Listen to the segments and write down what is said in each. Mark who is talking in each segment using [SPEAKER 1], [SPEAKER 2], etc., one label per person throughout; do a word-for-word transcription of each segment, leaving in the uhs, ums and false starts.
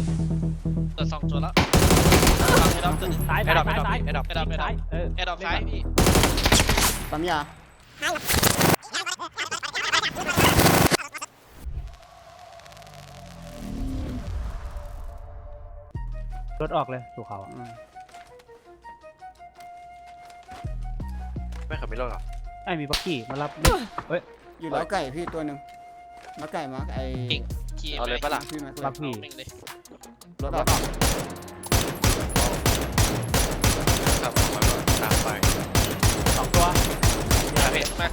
[SPEAKER 1] เกิดสองตัวแล้วไอ้ดอกตัวนึง
[SPEAKER 2] ซ้าย
[SPEAKER 1] ไอ้
[SPEAKER 2] ซ้าย
[SPEAKER 1] ดอก
[SPEAKER 2] ซ้าย
[SPEAKER 1] ไอ้ดอกไอ้ดอกไอ้ดอก
[SPEAKER 2] ซ้ายเออ
[SPEAKER 1] ไอ้ดอกซ้ายพี่
[SPEAKER 3] ปั๊มยาร
[SPEAKER 2] ถออกเลยสู่เขา
[SPEAKER 3] อืม
[SPEAKER 4] ไม่ขับไม่รอดหรอ
[SPEAKER 2] ไอ้มีบักกี้มารับเฮ้ย
[SPEAKER 3] อยู่แล้วไก่พี่ตัวหนึ่งแล้วไก่มาร์กไอ้
[SPEAKER 1] ขี่
[SPEAKER 4] เอาเลยปะล่ะ
[SPEAKER 3] พี่แม็กเลย
[SPEAKER 2] รับพี่
[SPEAKER 1] แม่งเลย
[SPEAKER 3] รถออก
[SPEAKER 4] ขับออกมาก็ตามไป
[SPEAKER 2] สองตัว
[SPEAKER 1] อย่าเห็นมา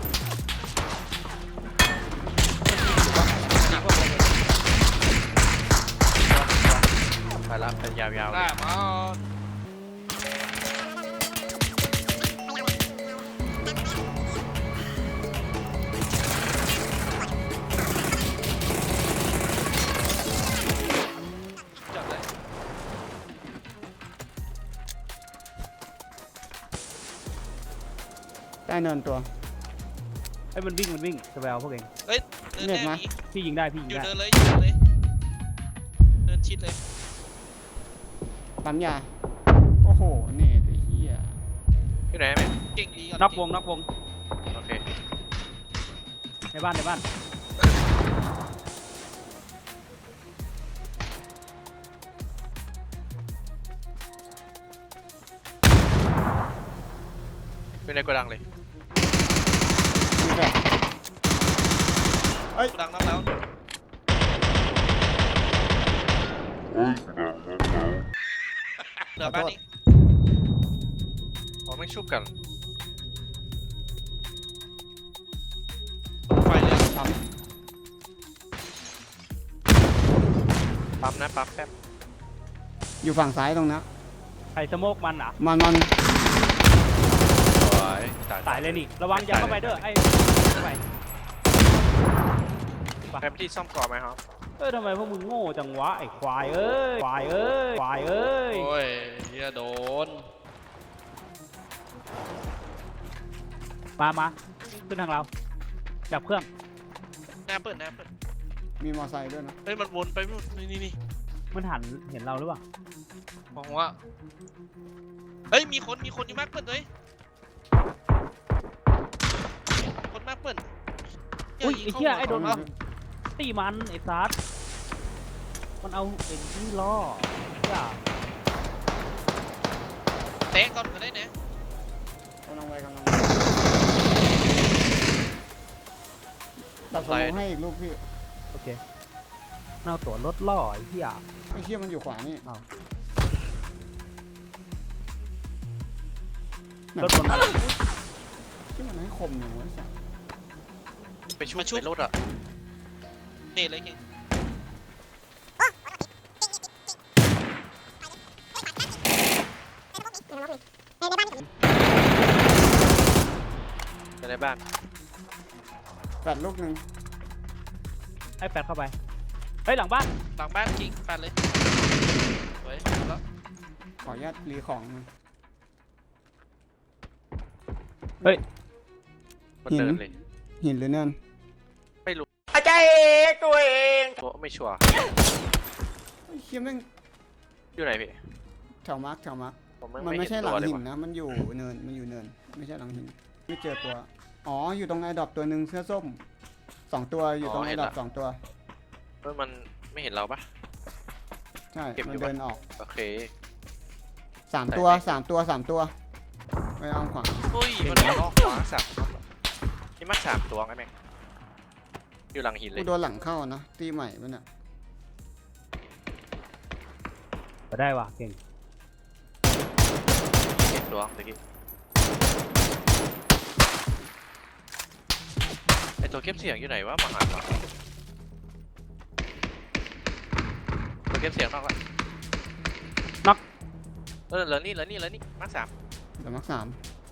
[SPEAKER 4] ไปรับเป็นยาวๆ
[SPEAKER 1] หน้ามา จับเลย
[SPEAKER 3] ใต้เนินตัว
[SPEAKER 2] ไอ้มันวิ่งมันวิ่งสแวลพวกเอง
[SPEAKER 1] เฮ้ยเดินแน่นี้
[SPEAKER 2] พี่ยิงได้พี่ยิ
[SPEAKER 1] อง ยู่
[SPEAKER 2] ได้
[SPEAKER 1] เดินเลยอยู่เดินเลยเดินชิดเลย
[SPEAKER 3] ปั๊มยาโอ้โหนี่ไอ้เหี้ย
[SPEAKER 4] ที่ไหนแม่
[SPEAKER 1] เก่งดีก่อน
[SPEAKER 2] นอกวงนอกวง
[SPEAKER 4] โอเค
[SPEAKER 2] ในบ้านในบ้าน
[SPEAKER 4] เป็นในโกดังเลย
[SPEAKER 3] มีแบบ
[SPEAKER 1] ดังน้ำแล้วเหลือบ้านนี้
[SPEAKER 4] อ๋อไม่ชุบกัน
[SPEAKER 1] ไฟเลย
[SPEAKER 3] ปั๊ม
[SPEAKER 4] ปั๊มนะปั๊มแป๊บ
[SPEAKER 3] อยู่ฝั่งซ้ายตรงนั้น
[SPEAKER 2] ไอ้สโมกมันอ่ะ
[SPEAKER 3] มันมัน
[SPEAKER 4] สวยตาย
[SPEAKER 2] ตายเลยนี่ระวังอย่าเข้าไปเด้อไอ้เข้าไป
[SPEAKER 4] แป๊บที่ซ่อมก่อนไหมครับ
[SPEAKER 2] เอ้ยทำไมพวกมึงโง่จังวะไอ้ควายเอ้ยควายเอ้ยควายเอ้ย
[SPEAKER 1] โอ้ยเฮียโดน
[SPEAKER 2] มามาขึ้นทางเราจับเครื่อง
[SPEAKER 1] หน้าเปิดหน้าเปิด
[SPEAKER 3] มีมอไซค์ด้วยนะ
[SPEAKER 1] เฮ้ยมันวนไปนู่นนี่นี่นี่
[SPEAKER 2] มันหันเห็นเราหรือเปล่า
[SPEAKER 1] บอกว่าเฮ้ยมีคนมีคนอยู่มากเปิดเลยคนมากเปิด
[SPEAKER 2] อุ้ยไอ้เหี้ยไอ้โดน
[SPEAKER 1] เข้า
[SPEAKER 2] ตีมันไอ้ซัดมันเอาไอ้ที่ล่ออย่า
[SPEAKER 1] เตะก่อนก็ได้นะ
[SPEAKER 3] กำลังไปกำลังไปตัดสมองให้อีกลูกพี่
[SPEAKER 2] โอเคเอาตัวรถล่อไอ้เหี้ย
[SPEAKER 3] ไอ้เหี้ยมันอยู่ขวานี่
[SPEAKER 2] อ้าว
[SPEAKER 3] ไหน
[SPEAKER 2] รถบนมา
[SPEAKER 3] ที่มันให้คมอย่างวะไอ้สัส
[SPEAKER 4] ไปชุบไปรถอ่ะ
[SPEAKER 1] นี่เลยเก่ง
[SPEAKER 4] ในในบ้าน
[SPEAKER 3] แปดลูกหนึ่ง
[SPEAKER 2] ไอ้แปดเข้าไปเฮ้ยหลังบ้าน
[SPEAKER 1] หลังบ้านจริงปัดเลยเฮ้ยแล้ว
[SPEAKER 3] ขออนุญาตรีของมัน
[SPEAKER 4] มันเดินเลย
[SPEAKER 3] หินหรือเนิน
[SPEAKER 4] อาจารย์ตัวเองไม่ชัวร์
[SPEAKER 3] ไอ้เหี้ยแม่ง
[SPEAKER 4] อยู่ไหนพี่
[SPEAKER 3] แถวมาร์กแถวมาร์ก
[SPEAKER 4] ผม
[SPEAKER 3] มันไม่ใช่หลัง
[SPEAKER 4] เลย
[SPEAKER 3] หิน
[SPEAKER 4] ว่ะ
[SPEAKER 3] นะ มันอยู่เนิน มันอยู่เนิน ไม่ใช่หลังหิน ไม่เจอตัว อ๋อ อยู่ตรงไอ้ดรอปตัวหนึ่งเสื้อส้มสองตัวอยู่ตรงไอ้ดรอปสองตัว
[SPEAKER 4] เฮ้ยมันไม่เห็นเราปะ
[SPEAKER 3] ใช่
[SPEAKER 4] เก็บ
[SPEAKER 3] มัน
[SPEAKER 4] อยู่
[SPEAKER 3] เดิน
[SPEAKER 4] ปะ
[SPEAKER 3] ออก
[SPEAKER 4] โอเค
[SPEAKER 3] สามตัวสามตัวสามตัวไปเอาขวา
[SPEAKER 1] อุ้ย
[SPEAKER 4] มั
[SPEAKER 1] มัน น
[SPEAKER 4] ล็
[SPEAKER 1] ล็
[SPEAKER 4] อ
[SPEAKER 1] อก ก
[SPEAKER 4] ขวาสามนี่มักสามตัวไงแม่งอยู่หลังหินเล
[SPEAKER 3] กู
[SPEAKER 4] ย
[SPEAKER 3] โดนหลังเข้านะ ตีใหม่ปะเนี่ย
[SPEAKER 2] ก็ได้ว่ะเก่ง
[SPEAKER 4] เห็นตัวตะกี้ไอตัวเก็บเสียงอยู่ไหนวะมาหาเราตัวเก็บเสียงนอกละ
[SPEAKER 2] น็อก
[SPEAKER 4] เออเหลือนี่เหลือนี่เหลือนี่มักสาม
[SPEAKER 3] เดี๋ยวมาร์กสาม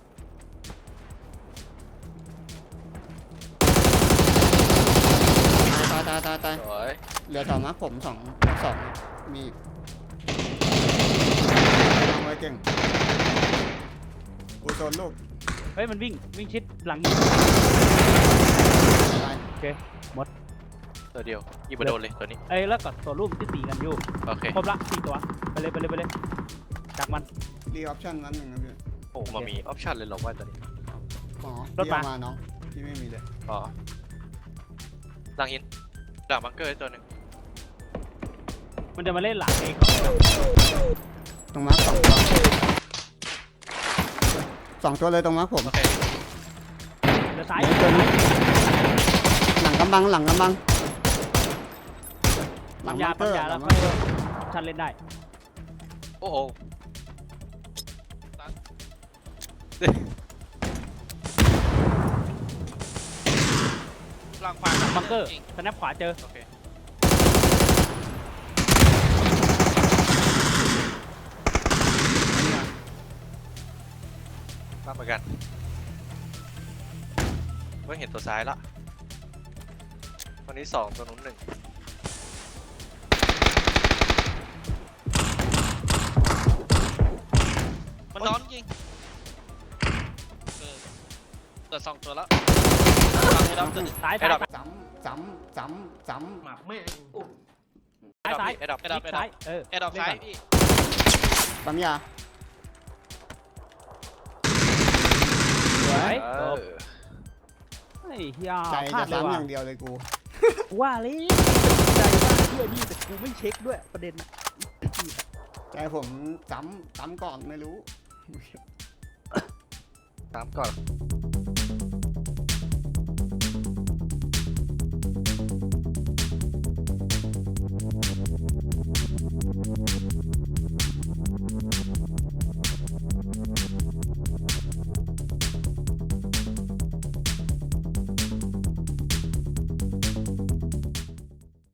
[SPEAKER 3] ตายตายตายตาย
[SPEAKER 4] สวย
[SPEAKER 3] เหลือแถวมาร์กผมสองสองมีอีกเอาไว้เก่งกูโซนลูก
[SPEAKER 2] เฮ้ยมันวิ่งวิ่งชิดหลัง
[SPEAKER 3] ตาย
[SPEAKER 2] โอเคหมด
[SPEAKER 4] ตัวเดียวยิงมาโดนเลยตัวนี้
[SPEAKER 2] เอ้ยแล้วก็ตัวรูปที่ตีกันอยู่
[SPEAKER 4] โอเค
[SPEAKER 2] ครบละสี่ตัวไปเลยไปเลยไปเลยจากมัน
[SPEAKER 3] รีออปชั่นนั้นหนึ่งนะพี่
[SPEAKER 4] โอ้มามีออปชั่นเลยเหรอว่าตัวนี้
[SPEAKER 3] อ๋อ
[SPEAKER 2] รถ
[SPEAKER 3] พี่
[SPEAKER 2] มา
[SPEAKER 3] เอามาน้องพี่ไม่มีเลย
[SPEAKER 4] อ๋อหลังหินหลังบังเกอร์ตัวหนึ่ง
[SPEAKER 2] มันจะมาเล่นหลังเอง
[SPEAKER 3] ตรงมาร์คสองตัวสองตัวเลยตรงมาร์คผม
[SPEAKER 4] โอเค
[SPEAKER 2] เดี๋ยวซ้าย
[SPEAKER 3] เดี๋ยวตัวนี้หลังกำบังหลังกำบังหลั
[SPEAKER 2] ปั๊
[SPEAKER 3] ง
[SPEAKER 2] มยา
[SPEAKER 3] บังเก
[SPEAKER 2] ปั๊
[SPEAKER 3] อ
[SPEAKER 2] ม
[SPEAKER 3] ร์
[SPEAKER 2] ยา
[SPEAKER 3] ห
[SPEAKER 2] แล้
[SPEAKER 3] ลั
[SPEAKER 2] ว
[SPEAKER 3] ง
[SPEAKER 2] ก็
[SPEAKER 3] บังเกอร์
[SPEAKER 2] ชันเล่นได้
[SPEAKER 4] โอ้โห
[SPEAKER 1] หลังขวา
[SPEAKER 2] บังเกอร์
[SPEAKER 1] จริง
[SPEAKER 2] สแนปขวาเจอ
[SPEAKER 4] โอเครับเหมือนกันไม่เห็นตัวซ้ายละตัวนี้สองตัวนู้นหนึ่ง
[SPEAKER 1] มันนอนจริงเออเกิดสองตัวแล้วหลังไอ้ดำตัวหนึง
[SPEAKER 2] ซ้าย
[SPEAKER 4] ไอ้
[SPEAKER 2] ซ้าย
[SPEAKER 4] ดับ
[SPEAKER 3] ซ้ำซ้ำซ้ำซ้ำ
[SPEAKER 1] หมักไม่
[SPEAKER 2] ซ้ายซ้าย
[SPEAKER 4] ไอ้ดับ
[SPEAKER 1] ไอ้ดับ
[SPEAKER 2] ซ้ายเออ
[SPEAKER 1] ไอ้ดอกซ้ายพี่
[SPEAKER 3] ปั๊มยา
[SPEAKER 2] สวย
[SPEAKER 4] เอ
[SPEAKER 2] จ
[SPEAKER 4] อบ
[SPEAKER 2] เฮ้ยเฮีย
[SPEAKER 3] ใจ
[SPEAKER 2] พลา
[SPEAKER 3] จะ
[SPEAKER 2] ดเลย
[SPEAKER 3] ซ้ำอ
[SPEAKER 2] ว่ะ
[SPEAKER 3] ย่างเดียวเลยกู
[SPEAKER 2] ว่าเลยใจว่าเพื่อนี่แต่กูไม่เช็คด้วยประเด็นน่ะ
[SPEAKER 3] ใจผมซ้ำซ้ำก่อนไม่รู้
[SPEAKER 4] ตามก่อน